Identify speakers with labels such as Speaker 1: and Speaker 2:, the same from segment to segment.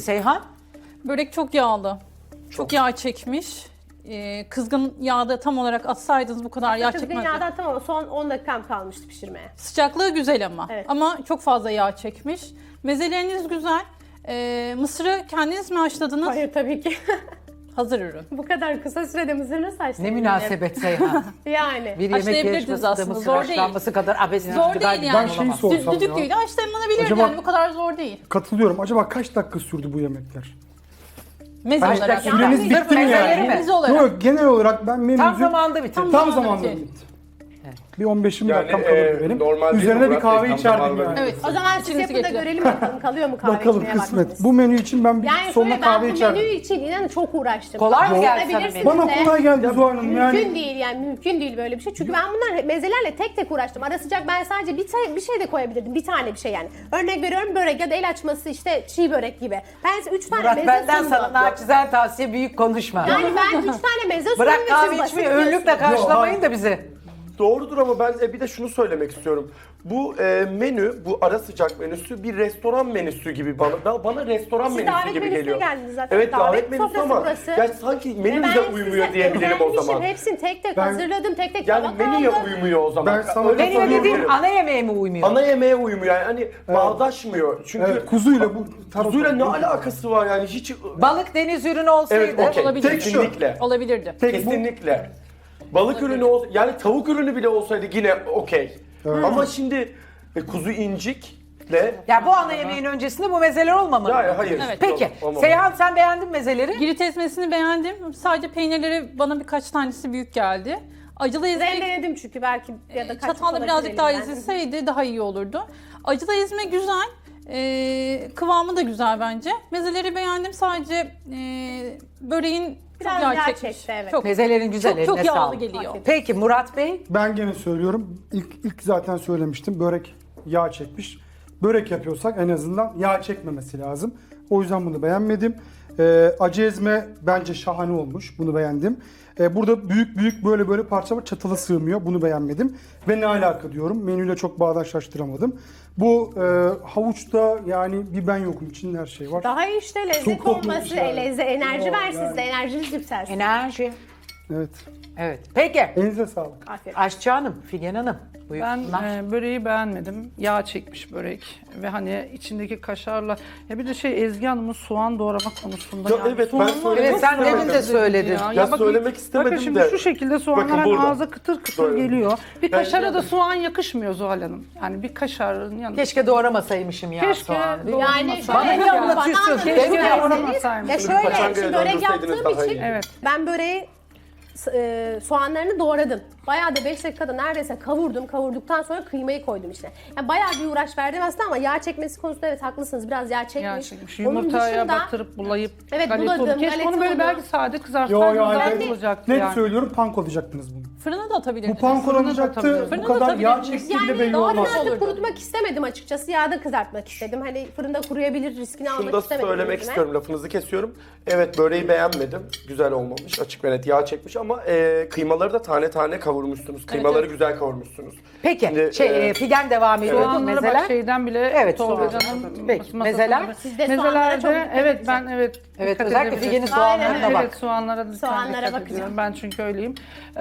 Speaker 1: Seyhan?
Speaker 2: Börek çok yağlı. Çok yağ çekmiş. Kızgın yağda tam olarak atsaydınız bu kadar yağ
Speaker 3: Kızgın
Speaker 2: çekmezdi.
Speaker 3: yağdan tamam, son 10 dakikam kalmıştı pişirmeye.
Speaker 2: Sıcaklığı güzel ama.
Speaker 3: Evet.
Speaker 2: Ama çok fazla yağ çekmiş. Mezeleriniz güzel. Mısırı kendiniz mi haşladınız?
Speaker 3: Hayır tabii ki.
Speaker 2: Hazır ürün.
Speaker 3: Bu kadar kısa sürede mısır nasıl haşlanır?
Speaker 1: Ne münasebet Seyhan.
Speaker 3: Yani.
Speaker 1: Bir yemek
Speaker 2: Haşlayabilirdiniz
Speaker 1: yarışmasında
Speaker 2: aslında,
Speaker 1: mısır
Speaker 2: zor değil.
Speaker 1: haşlanması kadar abesiniz.
Speaker 2: Zor değil yani.
Speaker 4: Ben şeyi sorsam ya.
Speaker 2: Düdüklüyle haşlanabilir
Speaker 4: Acaba-
Speaker 2: yani bu kadar zor değil.
Speaker 4: Katılıyorum. Acaba kaç dakika sürdü bu yemekler?
Speaker 2: Meze
Speaker 1: Kaç
Speaker 2: olarak.
Speaker 1: dakika?
Speaker 4: Süreniz
Speaker 1: Sırf
Speaker 4: bitti mi
Speaker 1: mezeleri
Speaker 4: yani?
Speaker 1: mi?
Speaker 2: Meze olarak.
Speaker 4: Yok, genel olarak ben menümüzü
Speaker 1: Tam zamanında bitirdim.
Speaker 4: tam
Speaker 2: zamanında
Speaker 4: zamanında
Speaker 2: bitirdim.
Speaker 4: bitti. Bir 15-20
Speaker 5: Yani,
Speaker 4: dakikam kalırdı benim.
Speaker 5: normal değil
Speaker 4: Üzerine
Speaker 5: mi
Speaker 4: bir
Speaker 5: Murat
Speaker 4: kahve
Speaker 5: Bey? Tam
Speaker 4: içerdim
Speaker 5: zamanında
Speaker 4: yani.
Speaker 2: Evet.
Speaker 3: O zaman siz
Speaker 2: İçinizi
Speaker 3: yapın da
Speaker 2: getirin.
Speaker 3: görelim bakalım kalıyor mu kahve
Speaker 4: Bakalım
Speaker 3: içmeye
Speaker 4: kısmet.
Speaker 3: vaktiniz?
Speaker 4: Bu menü için ben bir
Speaker 3: Yani
Speaker 4: sonuna
Speaker 3: şöyle, ben
Speaker 4: kahve
Speaker 3: bu
Speaker 4: içerdim.
Speaker 3: menü için inan çok uğraştım.
Speaker 1: Kolay mı
Speaker 3: Bak,
Speaker 1: geldi sana
Speaker 3: sorabilirsiniz
Speaker 1: menü?
Speaker 4: Bana
Speaker 3: de.
Speaker 4: kolay geldi Zuhal Hanım
Speaker 3: Mümkün
Speaker 4: yani.
Speaker 3: değil yani, mümkün değil böyle bir şey. Çünkü ben bunlar mezelerle tek tek uğraştım. Ara sıcak ben sadece bir şey de koyabilirdim. Bir tane bir şey yani. Örnek veriyorum, börek ya da el açması, işte çiğ börek gibi. Ben size 3 tane
Speaker 1: Murat
Speaker 3: meze
Speaker 1: benden
Speaker 3: sundum.
Speaker 1: sana naçizane tavsiye, büyük konuşma.
Speaker 3: Yani ben 3 tane meze sundum.
Speaker 1: Bırak
Speaker 3: ve
Speaker 1: kahve
Speaker 3: siz
Speaker 1: içmeyi,
Speaker 3: basit
Speaker 1: önlükle
Speaker 3: diyorsunuz.
Speaker 1: karşılamayın da bizi.
Speaker 5: Doğrudur ama ben bir de şunu söylemek istiyorum. Bu menü, bu ara sıcak menüsü bir restoran menüsü gibi bana restoran
Speaker 3: Siz
Speaker 5: menüsü
Speaker 3: davet
Speaker 5: gibi
Speaker 3: menüsüne
Speaker 5: geliyor.
Speaker 3: geldiniz zaten.
Speaker 5: Evet, davet menüsü
Speaker 3: sofrası
Speaker 5: ama
Speaker 3: burası.
Speaker 5: ya sanki
Speaker 3: Ve
Speaker 5: menümüze
Speaker 3: ben
Speaker 5: uymuyor
Speaker 3: size
Speaker 5: diyebilirim o
Speaker 3: özenmişim.
Speaker 5: zaman.
Speaker 3: Hepsini tek tek
Speaker 4: Ben-
Speaker 3: hazırladım, tek tek
Speaker 5: Yani
Speaker 3: tabak
Speaker 5: menüye
Speaker 3: aldım.
Speaker 5: uymuyor o zaman.
Speaker 4: Ben sana
Speaker 5: Öyle
Speaker 1: Menüye
Speaker 4: katılıyorum.
Speaker 1: dediğim
Speaker 5: diyebilirim.
Speaker 1: ana yemeğe mi uymuyor?
Speaker 5: Ana yemeğe uymuyor yani hani bağdaşmıyor. Çünkü
Speaker 4: Evet, kuzuyla bu
Speaker 5: kuzuyla ne alakası var yani hiç...
Speaker 1: Balık deniz ürünü olsaydı.
Speaker 5: Evet, okey.
Speaker 2: Olabilir.
Speaker 5: Kesinlikle.
Speaker 2: Olabilirdi.
Speaker 5: Kesinlikle. Balık ürünü yani tavuk ürünü bile olsaydı yine okey. Ama şimdi kuzu incikle
Speaker 1: Ya bu ana yemeğin öncesinde bu mezeler olmamalı.
Speaker 5: ya hayır.
Speaker 2: Evet.
Speaker 1: Peki
Speaker 5: Yok, olmamalı.
Speaker 1: Seyhan, sen beğendin mezeleri?
Speaker 2: Girit ezmesini beğendim. Sadece peynirleri bana birkaç tanesi büyük geldi. Acılı ezme
Speaker 3: Rendeledim çünkü belki ya da kaçmış
Speaker 2: çatalla
Speaker 3: olabilir
Speaker 2: birazcık daha
Speaker 3: elimden.
Speaker 2: ezilseydi daha iyi olurdu. Acılı ezme güzel. Kıvamı da güzel bence. Mezeleri beğendim. Sadece böreğin
Speaker 3: Biraz
Speaker 2: çok
Speaker 3: yağ
Speaker 2: yağ çekmiş.
Speaker 3: çekti, evet.
Speaker 2: Çok,
Speaker 1: Mezelerin güzel,
Speaker 2: çok, çok
Speaker 1: eline
Speaker 2: yağlı
Speaker 1: sağlık.
Speaker 2: geliyor.
Speaker 1: Peki Murat Bey?
Speaker 4: Ben gene söylüyorum. İlk zaten söylemiştim. Börek yağ çekmiş. Börek yapıyorsak en azından yağ çekmemesi lazım. O yüzden bunu beğenmedim. Acı ezme bence şahane olmuş. Bunu beğendim. Burada büyük böyle parça var. Çatala sığmıyor. Bunu beğenmedim. Ve ne alaka diyorum. Menüyle çok bağdaşlaştıramadım. Bu havuçta yani bir ben yokum. İçinde her şey var.
Speaker 3: Daha iyi işte lezzet
Speaker 4: Çok kokmuş
Speaker 3: olması,
Speaker 4: yani.
Speaker 3: enerji
Speaker 4: Yok,
Speaker 3: versin
Speaker 4: yani.
Speaker 3: size, enerjiniz yükselsin.
Speaker 1: Enerji.
Speaker 4: Evet.
Speaker 1: Evet. Peki.
Speaker 4: Elinize sağlık.
Speaker 3: Aferin.
Speaker 1: Aşçı Hanım, Figen Hanım.
Speaker 6: Ben
Speaker 1: Buyursunlar.
Speaker 6: böreği beğenmedim. Yağ çekmiş börek ve hani içindeki kaşarla, ya bir de Ezgi Hanım'ın soğan doğrama konusunda.
Speaker 5: Ya
Speaker 6: yani
Speaker 5: evet, ben
Speaker 6: soğanlar
Speaker 5: söylemek
Speaker 1: Evet, sen
Speaker 5: istemedim.
Speaker 1: demin de söyledin.
Speaker 5: Ya söylemek istemedim
Speaker 6: bakın şimdi
Speaker 5: de.
Speaker 6: şu şekilde soğanlar
Speaker 5: Bakın
Speaker 6: hem
Speaker 5: burada.
Speaker 6: ağza kıtır kıtır
Speaker 5: Böyle.
Speaker 6: geliyor. Bir
Speaker 5: Ben-
Speaker 6: kaşara da soğan yakışmıyor Zuhal Hanım. Yani bir kaşarın yanında.
Speaker 1: Keşke doğramasaymışım ya
Speaker 6: Keşke
Speaker 1: soğanı. değil mi?
Speaker 3: Yani
Speaker 6: Bana
Speaker 3: şöyle,
Speaker 1: niye anlatıyorsun?
Speaker 3: bana
Speaker 1: Keşke
Speaker 3: anlatın
Speaker 6: doğramasaymış.
Speaker 3: derseniz, ya
Speaker 5: Paçangaya
Speaker 3: şöyle, şimdi börek
Speaker 5: döndürseydiniz
Speaker 3: yaptığım
Speaker 5: daha
Speaker 3: için
Speaker 5: iyi.
Speaker 6: Evet.
Speaker 3: ben böreği soğanlarını doğradım. Bayağı da 5 dakikada neredeyse kavurdum. Kavurduktan sonra kıymayı koydum içine. Yani bayağı bir uğraş verdim aslında ama yağ çekmesi konusunda evet haklısınız. Biraz yağ çekmiş.
Speaker 6: Yağ çekmiş.
Speaker 3: Onun
Speaker 6: Yumurtaya
Speaker 3: dışında
Speaker 6: batırıp bulayıp
Speaker 3: Evet,
Speaker 6: galeta
Speaker 3: buladım,
Speaker 6: oldu. Keşke
Speaker 3: galeta
Speaker 6: onu böyle
Speaker 3: oldu.
Speaker 6: belki sade
Speaker 4: Yo
Speaker 6: kızartsaydınız
Speaker 4: yo
Speaker 6: daha
Speaker 4: hayır.
Speaker 6: iyi olacaktı
Speaker 4: Net
Speaker 6: yani.
Speaker 4: söylüyorum, panko-layacaktınız bunu.
Speaker 2: Fırına da atabilirdiniz.
Speaker 4: Bu panko
Speaker 6: Fırına da
Speaker 4: olacaktı.
Speaker 6: atabiliriz.
Speaker 4: Bu
Speaker 2: Fırına da
Speaker 4: kadar yağ
Speaker 2: atabiliriz.
Speaker 4: çektiği bile
Speaker 3: yani
Speaker 4: belli
Speaker 3: doğru
Speaker 4: olmaz.
Speaker 3: mantık kurutmak istemedim açıkçası. Yağda kızartmak istedim. Hani fırında kuruyabilir riskini
Speaker 5: Şunu
Speaker 3: almak
Speaker 5: da
Speaker 3: istemedim.
Speaker 5: söylemek
Speaker 3: üzerine.
Speaker 5: istiyorum, lafınızı kesiyorum. Evet, böreği beğenmedim. Güzel olmamış, açık ve net yağ çekmiş ama kıymaları da tane tane kavurmuşsunuz. Kıymaları
Speaker 2: evet.
Speaker 5: güzel kavurmuşsunuz.
Speaker 1: Peki
Speaker 5: Şimdi,
Speaker 1: Figen devam ediyor.
Speaker 6: Soğanlara bak
Speaker 1: Mezeler.
Speaker 6: şeyden bile
Speaker 1: Evet,
Speaker 6: Tolga
Speaker 1: soğan.
Speaker 6: Can'ın
Speaker 1: Peki,
Speaker 6: masasında
Speaker 1: mezeler?
Speaker 6: bile-
Speaker 3: Siz de soğanlara
Speaker 6: Mezelerde
Speaker 3: çok dikkat
Speaker 6: evet
Speaker 3: edeceğim.
Speaker 1: Evet,
Speaker 6: dikkat
Speaker 1: özellikle
Speaker 6: edebiliriz.
Speaker 1: Figen'in soğanlarına
Speaker 3: Aynen,
Speaker 1: bak.
Speaker 6: Evet, soğanlara
Speaker 3: Soğanlara
Speaker 6: dikkat
Speaker 3: bakacağım.
Speaker 6: ediyorum. Ben çünkü öyleyim.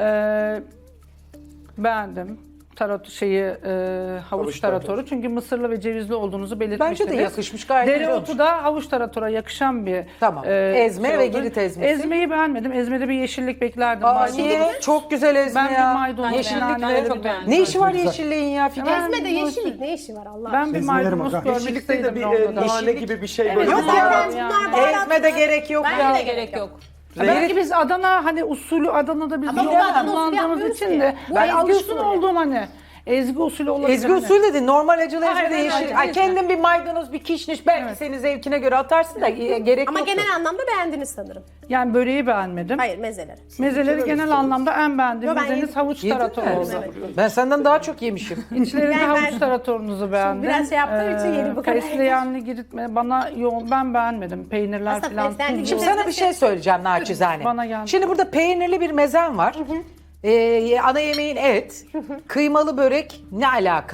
Speaker 6: Beğendim. Havuç taratoru. Çünkü mısırlı ve cevizli olduğunuzu belirtmiştiniz.
Speaker 1: Bence de yakışmış, gayet güzel olmuş.
Speaker 6: Dereotu da havuç taratora yakışan bir
Speaker 1: Tamam. Ezme ve
Speaker 6: oldu.
Speaker 1: girit ezmesi.
Speaker 6: Ezmeyi beğenmedim. Ezmede bir yeşillik beklerdim.
Speaker 1: Aa,
Speaker 6: Maydanoz.
Speaker 1: niye? Çok güzel ezme
Speaker 6: Ben
Speaker 1: ya.
Speaker 6: bir maydanoz
Speaker 1: Yeşillik
Speaker 6: beğendim.
Speaker 1: ve...
Speaker 2: Çok beğendim.
Speaker 1: Ne işi var
Speaker 4: Güzel.
Speaker 1: yeşilliğin ya Figen?
Speaker 6: Ben
Speaker 3: Ezmede
Speaker 6: bu-
Speaker 3: yeşillik ne işi var Allah
Speaker 6: Ben bir
Speaker 4: Ezmelerim
Speaker 6: maydanoz
Speaker 4: aga.
Speaker 6: görmek
Speaker 5: yeşillikte de
Speaker 6: istedim
Speaker 5: bir
Speaker 6: rondoda.
Speaker 5: nane gibi bir şey
Speaker 3: Evet,
Speaker 5: böyle.
Speaker 1: Yok
Speaker 3: zaten
Speaker 1: ya.
Speaker 3: bunlar baharat-
Speaker 1: Ezme de gerek yok
Speaker 3: Bence
Speaker 1: ya.
Speaker 3: de
Speaker 2: Gerek yok.
Speaker 6: Belki biz Adana hani usulü Adana'da biz
Speaker 3: Ama bu
Speaker 6: bilemem
Speaker 3: Adana usulü
Speaker 6: kullandığımız
Speaker 3: yapmıyoruz
Speaker 6: için
Speaker 3: ki.
Speaker 6: de
Speaker 3: Bu
Speaker 6: ben
Speaker 3: ezgi
Speaker 6: alışkın
Speaker 3: usulü.
Speaker 6: olduğum hani ezgi usulü olabilir.
Speaker 1: Ezgi
Speaker 6: hani.
Speaker 1: usul dedin. Normal acılı ezme de
Speaker 6: Aynen,
Speaker 1: yeşil.
Speaker 6: aynen.
Speaker 1: Ay, kendin bir maydanoz, bir kişniş belki senin zevkine göre atarsın da gerek
Speaker 3: Ama
Speaker 1: yok.
Speaker 3: genel anlamda beğendiniz sanırım.
Speaker 6: Yani böreği beğenmedim.
Speaker 3: Hayır, mezeleri.
Speaker 6: Mezeleri genel anlamda en beğendiğim
Speaker 3: Yo, ben
Speaker 6: mezeniz
Speaker 3: yedim.
Speaker 6: havuç
Speaker 1: Yedin
Speaker 6: tarator
Speaker 1: mi?
Speaker 6: oldu.
Speaker 1: Ben senden daha çok yemişim.
Speaker 6: İçlerinde
Speaker 3: Yani
Speaker 6: havuç
Speaker 3: ben-
Speaker 6: taratorunuzu beğendim.
Speaker 3: biraz şey yaptığım için yedim bu kadar.
Speaker 6: Fesleğenli giritme bana yoğun, ben beğenmedim. Peynirler
Speaker 3: Aslında
Speaker 6: falan.
Speaker 3: fesleğenli
Speaker 6: tuzlu.
Speaker 1: Şimdi sana bir şey söyleyeceğim naçizane.
Speaker 6: Bana geldi.
Speaker 1: Şimdi burada peynirli bir mezen var. Ana yemeğin et. Kıymalı börek ne alaka?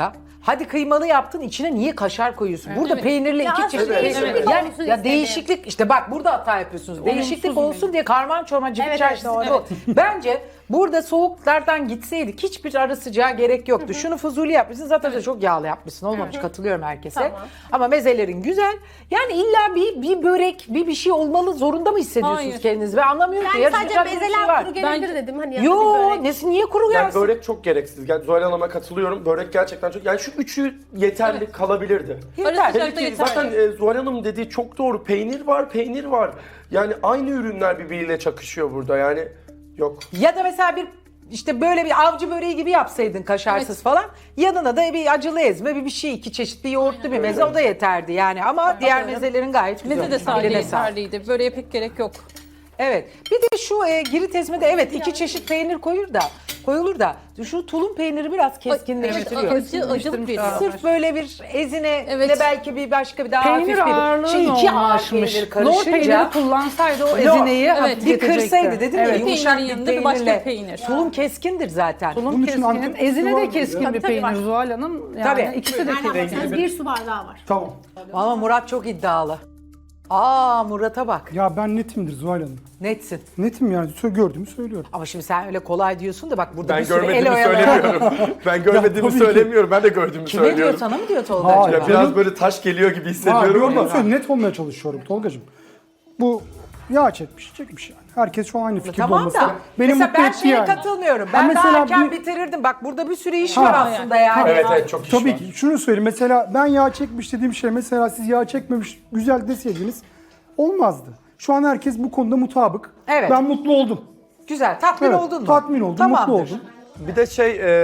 Speaker 1: Hadi kıymalı yaptın, içine niye kaşar koyuyorsun? Burada
Speaker 2: Evet.
Speaker 1: peynirli iki çeşit.
Speaker 3: aslında değişiklik
Speaker 1: Yani,
Speaker 3: olsun
Speaker 1: ya
Speaker 3: istedim.
Speaker 1: değişiklik işte bak burada hata yapıyorsunuz. Değişiklik olsun diye karman çorman cıvık
Speaker 3: Evet,
Speaker 1: çarşısı
Speaker 3: evet,
Speaker 1: bu. Bence burada soğuklardan gitseydik hiçbir ara sıcağı gerek yoktu. Şunu fuzuli yapmışsın, zaten de çok yağlı yapmışsın. Olmamış, katılıyorum herkese.
Speaker 3: Tamam.
Speaker 1: Ama mezelerin güzel. Yani illa bir börek, bir şey olmalı zorunda mı hissediyorsunuz
Speaker 2: Hayır.
Speaker 1: kendinizi? Ben anlamıyorum ki.
Speaker 3: Yani sadece
Speaker 1: Yarışacak bir şey
Speaker 3: bezeler
Speaker 1: var.
Speaker 3: kuru gelebilir
Speaker 2: Bence-
Speaker 3: dedim. Hani yanında bir
Speaker 1: Yo,
Speaker 3: börek.
Speaker 1: nesi niye kuru
Speaker 5: Yani
Speaker 1: gelsin?
Speaker 5: börek çok gereksiz. Yani Zuhal Hanım'a katılıyorum. Börek gerçekten çok... Yani şu üçü yeterli kalabilirdi.
Speaker 1: Yeter.
Speaker 2: Arası
Speaker 5: Hele
Speaker 2: sıcakta
Speaker 5: ki
Speaker 2: yeterli.
Speaker 5: zaten Zuhal Hanım dediği çok doğru. Peynir var, peynir var. Yani aynı ürünler birbiriyle çakışıyor burada. Yani yok.
Speaker 1: Ya da mesela bir işte böyle bir avcı böreği gibi yapsaydın kaşarsız falan. Yanına da bir acılı ezme, bir şey, iki çeşit bir yoğurtlu bir meze o da yeterdi yani. Ama diğer mezelerin gayet güzel.
Speaker 2: Meze de
Speaker 1: olmuş.
Speaker 2: sadece
Speaker 1: Eline sağlık.
Speaker 2: yeterliydi. Böreğe pek gerek yok.
Speaker 1: Evet. Bir de şu girit ezmede evet iki çeşit peynir koyulur da şu tulum peyniri biraz keskinleştiriyor.
Speaker 2: Evet, acılık veriyor.
Speaker 1: Sırf böyle bir ezine
Speaker 2: Evet.
Speaker 1: de belki bir başka bir daha
Speaker 6: Peynir
Speaker 1: hafif bir
Speaker 6: ağırlığı
Speaker 1: şey iki ağır
Speaker 6: yoğunlaşmış.
Speaker 1: peynir
Speaker 6: Lor peyniri
Speaker 1: karışınca
Speaker 6: kullansaydı o
Speaker 1: Lor,
Speaker 6: ezineyi
Speaker 2: evet,
Speaker 6: hafifletecekti.
Speaker 1: bir kırsaydı dedim ya
Speaker 6: Evet.
Speaker 1: yumuşak
Speaker 2: Peynirin
Speaker 1: bir
Speaker 2: yanında bir başka
Speaker 1: peynirle.
Speaker 2: peynir.
Speaker 1: Tulum keskindir zaten.
Speaker 6: Tulum
Speaker 4: Bunun için
Speaker 6: keskinin,
Speaker 4: Antep
Speaker 6: ezine
Speaker 4: fıstığı
Speaker 6: de
Speaker 4: var
Speaker 6: keskin
Speaker 3: mı?
Speaker 6: bir
Speaker 3: Tabii,
Speaker 6: peynir
Speaker 3: var.
Speaker 6: Zuhal Hanım. Yani
Speaker 1: Tabii.
Speaker 6: ikisi de
Speaker 3: Nereden
Speaker 6: keskin.
Speaker 3: baksanız bir su bardağı var.
Speaker 4: Tamam.
Speaker 1: Ama Murat çok iddialı. Aa Murat'a bak.
Speaker 4: Ya ben netimdir Zuhal Hanım.
Speaker 1: Netsin.
Speaker 4: Netim yani. Gördüğümü söylüyorum.
Speaker 1: Ama şimdi sen öyle kolay diyorsun da bak burada
Speaker 5: Ben
Speaker 1: bir sürü el
Speaker 5: görmediğimi
Speaker 1: oyalayan.
Speaker 5: söylemiyorum. Ben görmediğimi
Speaker 4: tabii ki.
Speaker 5: söylemiyorum. Ben de gördüğümü
Speaker 1: Kime diyor,
Speaker 5: söylüyorum.
Speaker 1: sana mı diyor Tolga
Speaker 4: Hayır.
Speaker 1: acaba?
Speaker 5: Ya biraz böyle taş geliyor gibi hissediyorum
Speaker 4: Gördüğümü
Speaker 5: ama.
Speaker 4: söylüyorum. Net olmaya çalışıyorum Tolgacığım. Bu yağ çekmiş yani. Herkes şu an aynı fikirde
Speaker 1: Tamam
Speaker 4: olması.
Speaker 1: da
Speaker 4: Beni
Speaker 1: mesela
Speaker 4: mutlu
Speaker 1: ben
Speaker 4: etti
Speaker 1: şeye
Speaker 4: yani.
Speaker 1: katılmıyorum.
Speaker 4: Ha,
Speaker 1: Ben daha
Speaker 4: mesela
Speaker 1: erken
Speaker 4: bir-
Speaker 1: bitirirdim. Bak burada bir sürü iş
Speaker 4: Ha,
Speaker 1: var aslında yani.
Speaker 5: Evet evet çok iş
Speaker 4: Tabii
Speaker 5: var.
Speaker 4: ki. Şunu söyleyeyim. Mesela ben yağ çekmiş dediğim şey mesela siz yağ çekmemiş güzel deseydiniz olmazdı. Şu an herkes bu konuda mutabık.
Speaker 1: Evet.
Speaker 4: Ben mutlu oldum.
Speaker 1: Güzel. Tatmin
Speaker 4: Evet,
Speaker 1: oldun mu?
Speaker 4: tatmin oldum,
Speaker 1: Tamamdır.
Speaker 4: mutlu oldum.
Speaker 5: Bir de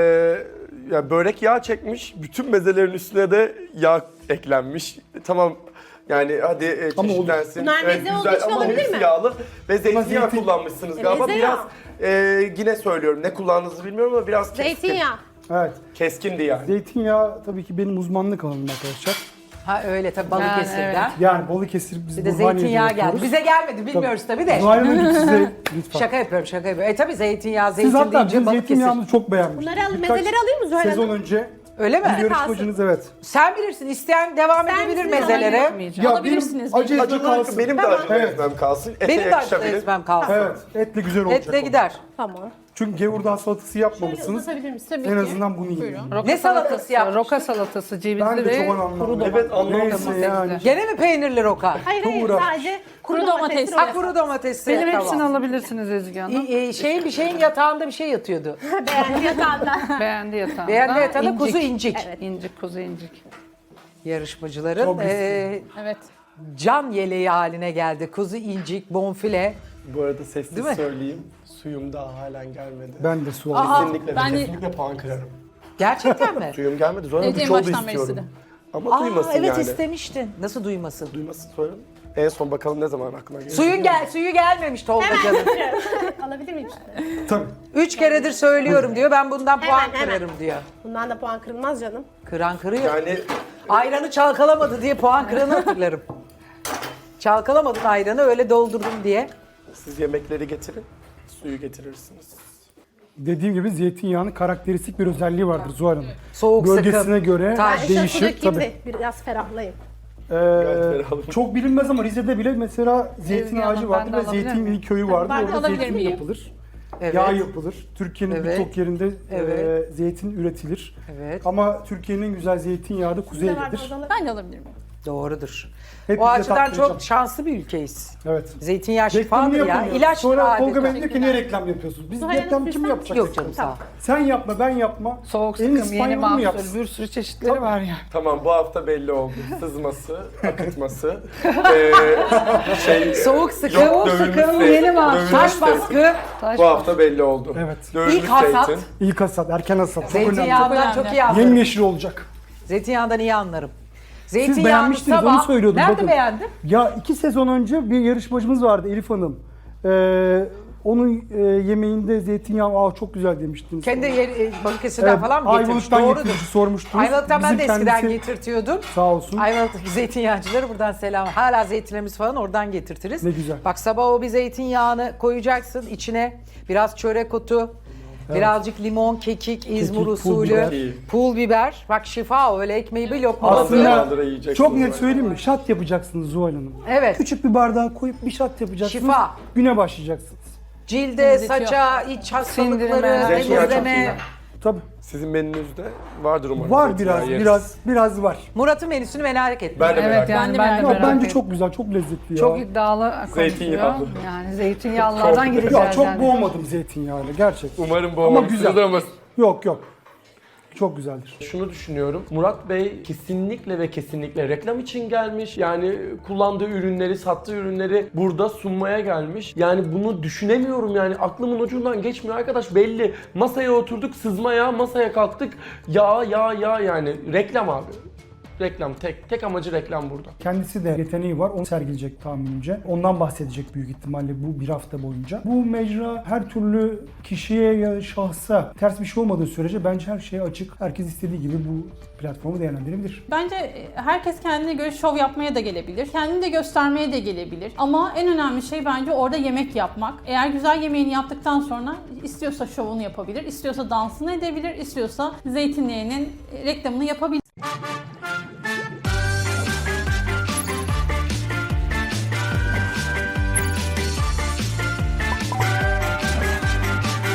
Speaker 5: ya börek yağ çekmiş, bütün mezelerin üstüne de yağ eklenmiş. Tamam yani hadi
Speaker 4: Ama
Speaker 5: çeşitlensin.
Speaker 3: Bunlar meze olduğu için
Speaker 5: ama
Speaker 3: olabilir
Speaker 5: hepsi
Speaker 3: mi?
Speaker 5: yağlı ve zeytinyağı
Speaker 4: zeytin-
Speaker 5: kullanmışsınız galiba.
Speaker 3: meze
Speaker 5: Biraz
Speaker 3: yağı.
Speaker 5: yine söylüyorum ne kullandığınızı bilmiyorum ama biraz keskin.
Speaker 3: Zeytinyağı.
Speaker 4: Evet.
Speaker 5: Keskindi yani.
Speaker 4: Zeytinyağı tabii ki benim uzmanlık alanım arkadaşlar.
Speaker 1: Ha öyle tabii Balıkesir'den.
Speaker 4: Yani Balıkesir biz
Speaker 1: Bir de
Speaker 4: Burhaniye'de
Speaker 1: zeytinyağı geldi.
Speaker 4: yapıyoruz.
Speaker 1: Bize gelmedi bilmiyoruz tabii de.
Speaker 4: Zuhal Hanımcığım size lütfen.
Speaker 1: Şaka yapıyorum. Tabii zeytinyağı,
Speaker 4: Siz
Speaker 1: zeytin
Speaker 4: zaten
Speaker 1: deyince
Speaker 4: bizim
Speaker 1: Balıkesir.
Speaker 4: zeytinyağımızı çok beğenmiştiniz.
Speaker 3: Bunları al,
Speaker 4: Birkaç
Speaker 3: mezeleri alayım mı Zuhal
Speaker 4: Sezon
Speaker 3: Hanım?
Speaker 4: önce
Speaker 1: Öyle mi?
Speaker 4: bir yarışmacınız evet.
Speaker 1: Sen bilirsin. İsteyen devam
Speaker 3: Sen
Speaker 1: edebilir
Speaker 3: misiniz?
Speaker 1: mezelere.
Speaker 4: Ya
Speaker 2: Alabilirsiniz.
Speaker 4: benim acı ezme
Speaker 5: Acılı
Speaker 4: kalsın.
Speaker 5: benim de acılı
Speaker 4: Evet.
Speaker 5: ezmem kalsın. Ete
Speaker 1: Benim de acılı
Speaker 5: yakışabilir.
Speaker 1: ezmem kalsın.
Speaker 4: Evet, etli güzel olacak.
Speaker 1: Etle
Speaker 4: o.
Speaker 1: gider.
Speaker 3: Tamam.
Speaker 4: Çünkü gevurdağ salatası yapmamışsınız.
Speaker 3: Uzatabilir misin?
Speaker 2: Tabii
Speaker 4: En
Speaker 2: ki.
Speaker 4: azından bunu yiyin.
Speaker 2: Buyurun.
Speaker 1: Ne salatası yapmış?
Speaker 6: Roka salatası, cevizli
Speaker 4: Ben de
Speaker 6: ve
Speaker 4: çok anlamlı.
Speaker 5: Evet anlamadım.
Speaker 4: Neyse yani.
Speaker 1: Gene mi peynirli roka?
Speaker 3: Hayır
Speaker 4: Uğraş.
Speaker 3: sadece
Speaker 2: Kuru domates.
Speaker 1: Ha kuru domatesli.
Speaker 6: benim
Speaker 1: tamam.
Speaker 6: hepsini alabilirsiniz Ezgi Hanım.
Speaker 1: Bir şeyin yatağında bir şey yatıyordu.
Speaker 3: beğendi yatağında.
Speaker 6: Beğendi yatağında.
Speaker 1: Beğendi yatağında kuzu incik.
Speaker 6: İncik, kuzu incik.
Speaker 1: Yarışmacıların
Speaker 4: Çok
Speaker 2: Evet.
Speaker 1: can yeleği haline geldi. Kuzu incik, bonfile.
Speaker 5: Bu arada sessiz
Speaker 1: Değil mi?
Speaker 5: söyleyeyim. Suyum daha halen gelmedi.
Speaker 4: Ben de su alayım.
Speaker 5: Kesinlikle
Speaker 2: ben de-
Speaker 5: kesinlikle puan kırarım.
Speaker 1: Gerçekten mi?
Speaker 5: Suyum gelmedi. Sonra
Speaker 2: Evet,
Speaker 5: bir
Speaker 2: en
Speaker 5: çorba
Speaker 2: baştan beri
Speaker 5: istiyorum.
Speaker 2: istedi.
Speaker 5: Ama
Speaker 1: Aa,
Speaker 5: duymasın
Speaker 1: evet
Speaker 5: yani.
Speaker 1: istemiştin. Nasıl duymasın?
Speaker 5: Duymasın sonra. En son bakalım ne zaman aklına gelir.
Speaker 1: Suyu gelmemiş Tolga canım.
Speaker 3: Alabilir miyim?
Speaker 4: Tabii.
Speaker 1: 3 keredir söylüyorum diyor. Ben bundan puan
Speaker 3: Hemen.
Speaker 1: kırarım diyor.
Speaker 3: Bundan da puan kırılmaz canım.
Speaker 1: Kıran kırıyor.
Speaker 5: Yani
Speaker 1: Ayranı çalkalamadı diye puan kıranı hatırlarım. Çalkalamadın ayranı öyle doldurdum diye.
Speaker 5: siz yemekleri getirin, suyu getirirsiniz.
Speaker 4: Dediğim gibi zeytinyağının karakteristik bir özelliği vardır Zuhal Hanım.
Speaker 1: Soğuk
Speaker 4: Bölgesine
Speaker 1: sıkım.
Speaker 4: göre
Speaker 1: Taş.
Speaker 3: Ben şu
Speaker 4: değişir
Speaker 3: dökeyim
Speaker 4: tabii.
Speaker 3: de biraz ferahlayayım.
Speaker 5: ferahım.
Speaker 4: Çok bilinmez ama Rize'de bile mesela zeytin
Speaker 6: Ezgi
Speaker 4: ağacı
Speaker 6: Hanım,
Speaker 4: vardır
Speaker 6: ben de
Speaker 4: ve
Speaker 6: alabilir
Speaker 4: zeytin
Speaker 6: miyim?
Speaker 4: köyü vardır.
Speaker 3: Ben de
Speaker 4: Orada
Speaker 2: alabilir
Speaker 4: zeytin
Speaker 2: miyim?
Speaker 4: yapılır.
Speaker 1: Evet.
Speaker 4: Yağ yapılır. Türkiye'nin
Speaker 1: Evet.
Speaker 4: birçok yerinde
Speaker 1: Evet.
Speaker 4: zeytin üretilir.
Speaker 1: Evet.
Speaker 4: Ama Türkiye'nin en güzel zeytinyağı da
Speaker 3: Size var mı
Speaker 4: kuzeydedir.
Speaker 3: odalar?
Speaker 2: Ben de alabilir miyim?
Speaker 1: Doğrudur.
Speaker 4: Hepinize
Speaker 1: O açıdan
Speaker 4: tattıracağım.
Speaker 1: çok şanslı bir ülkeyiz.
Speaker 4: Evet.
Speaker 1: Zeytinyağı
Speaker 4: Reklamını
Speaker 1: şifadır ya.
Speaker 4: yapamıyoruz.
Speaker 1: İlaç
Speaker 4: Sonra
Speaker 1: gibi
Speaker 4: Tolga Bey
Speaker 1: adeta.
Speaker 4: diyor ki niye reklam yapıyorsunuz? Biz
Speaker 3: Zuhal
Speaker 4: reklam
Speaker 3: Hanım,
Speaker 4: kim
Speaker 3: lütfen.
Speaker 4: yapacak?
Speaker 1: Yok canım sağ ol.
Speaker 4: Sen yapma ben yapma.
Speaker 6: Soğuk
Speaker 4: En
Speaker 6: sıkım,
Speaker 4: İspanyol
Speaker 6: yeni
Speaker 4: mu
Speaker 6: mahsul,
Speaker 4: yapsın?
Speaker 6: bir sürü çeşitleri var ya.
Speaker 5: Tamam bu hafta belli oldu. Sızması, akıtması,
Speaker 1: Soğuk sıkım,
Speaker 5: yok, dövülmüş
Speaker 6: yeni mahsul.
Speaker 5: dövülmüş
Speaker 1: Taş
Speaker 5: zeytin.
Speaker 1: baskı,
Speaker 5: Bu hafta belli oldu.
Speaker 4: Evet.
Speaker 5: Dövülmüş
Speaker 1: İlk hasat.
Speaker 5: zeytin.
Speaker 4: İlk hasat, erken hasat. Çok önemli.
Speaker 1: zeytinyağından
Speaker 2: Çok
Speaker 1: çok iyi
Speaker 2: önemli.
Speaker 1: anlarım.
Speaker 4: Yemyeşil olacak.
Speaker 1: Zeytinyağından iyi anlarım.
Speaker 4: Siz
Speaker 1: Zeytinyağını
Speaker 4: beğenmiştiniz
Speaker 1: sabah...
Speaker 4: onu söylüyordum.
Speaker 1: Nerede
Speaker 4: bakın.
Speaker 1: beğendin?
Speaker 4: Ya 2 sezon önce bir yarışmacımız vardı Elif Hanım. Onun yemeğinde zeytinyağı çok güzel demiştiniz.
Speaker 1: Kendi Balıkesir'den falan mı getirmiş?
Speaker 4: Ayvalık'tan
Speaker 1: Doğrudur.
Speaker 4: getirmiş sormuştunuz.
Speaker 1: Ayvalık'tan ben de
Speaker 4: Bizim
Speaker 1: eskiden
Speaker 4: kendisi-
Speaker 1: getirtiyordum.
Speaker 4: Sağ olsun.
Speaker 1: Ayvalık'taki zeytinyağcıları buradan selam. Hala zeytinlerimiz falan oradan getirtiriz.
Speaker 4: Ne güzel.
Speaker 1: Bak sabah o bir zeytinyağını koyacaksın içine biraz çörek otu, Birazcık limon, kekik, İzmir
Speaker 4: pul
Speaker 1: usulü,
Speaker 4: biber.
Speaker 1: pul biber. Bak şifa, öyle ekmeği bir lokma
Speaker 4: Aslında
Speaker 5: Kaldıra yiyeceksin
Speaker 4: çok net
Speaker 5: böyle.
Speaker 4: söyleyeyim mi? Şat yapacaksınız Zuhal Hanım.
Speaker 1: Evet.
Speaker 4: Küçük bir bardağa koyup bir şat yapacaksınız.
Speaker 1: Şifa.
Speaker 4: Güne başlayacaksınız.
Speaker 1: Cilde,
Speaker 2: Temizletiyor.
Speaker 1: saça, iç hastalıkları,
Speaker 6: Sindirime,
Speaker 5: zeytinyağı çok iyi.
Speaker 1: temizleme.
Speaker 4: Tabii.
Speaker 5: Sizin menünüzde vardır umarım.
Speaker 4: Var
Speaker 5: zeytinyağı
Speaker 4: biraz,
Speaker 5: yeriz.
Speaker 4: biraz var.
Speaker 1: Murat'ın menüsünü merak ettim.
Speaker 5: Ben de merak
Speaker 6: Evet
Speaker 5: ettim.
Speaker 6: yani
Speaker 2: de
Speaker 6: ben de
Speaker 2: merak
Speaker 4: Yok,
Speaker 6: merak
Speaker 4: bence
Speaker 6: ettim.
Speaker 4: çok güzel, çok lezzetli ya.
Speaker 6: Çok iddialı konuşuyor.
Speaker 5: Zeytinyağlı.
Speaker 6: Yani zeytinyağlılardan
Speaker 5: Çok-
Speaker 6: gideceğiz
Speaker 4: Ya çok
Speaker 6: yani.
Speaker 4: boğmadım zeytinyağıyla gerçekten.
Speaker 5: Umarım
Speaker 4: Ama
Speaker 5: boğmamışsınızdır
Speaker 4: güzel.
Speaker 5: ama
Speaker 4: Yok yok. Çok güzeldir.
Speaker 5: şunu düşünüyorum. Murat Bey kesinlikle ve kesinlikle reklam için gelmiş. Yani kullandığı ürünleri, sattığı ürünleri burada sunmaya gelmiş. Yani bunu düşünemiyorum yani. Aklımın ucundan geçmiyor arkadaş, belli. Masaya oturduk, sızmaya, masaya kalktık. Ya yani. Reklam abi. Reklam, tek amacı reklam burada.
Speaker 4: Kendisi de yeteneği var, onu sergileyecek tahminimce. Ondan bahsedecek büyük ihtimalle bu bir hafta boyunca. Bu mecra her türlü kişiye ya şahsa ters bir şey olmadığı sürece bence her şeye açık. Herkes istediği gibi bu platformu değerlendirebilir.
Speaker 2: Bence herkes kendine göre şov yapmaya da gelebilir. Kendini de göstermeye de gelebilir. Ama en önemli şey bence orada yemek yapmak. Eğer güzel yemeğini yaptıktan sonra istiyorsa şovunu yapabilir, istiyorsa dansını edebilir, istiyorsa zeytinyağının reklamını yapabilir.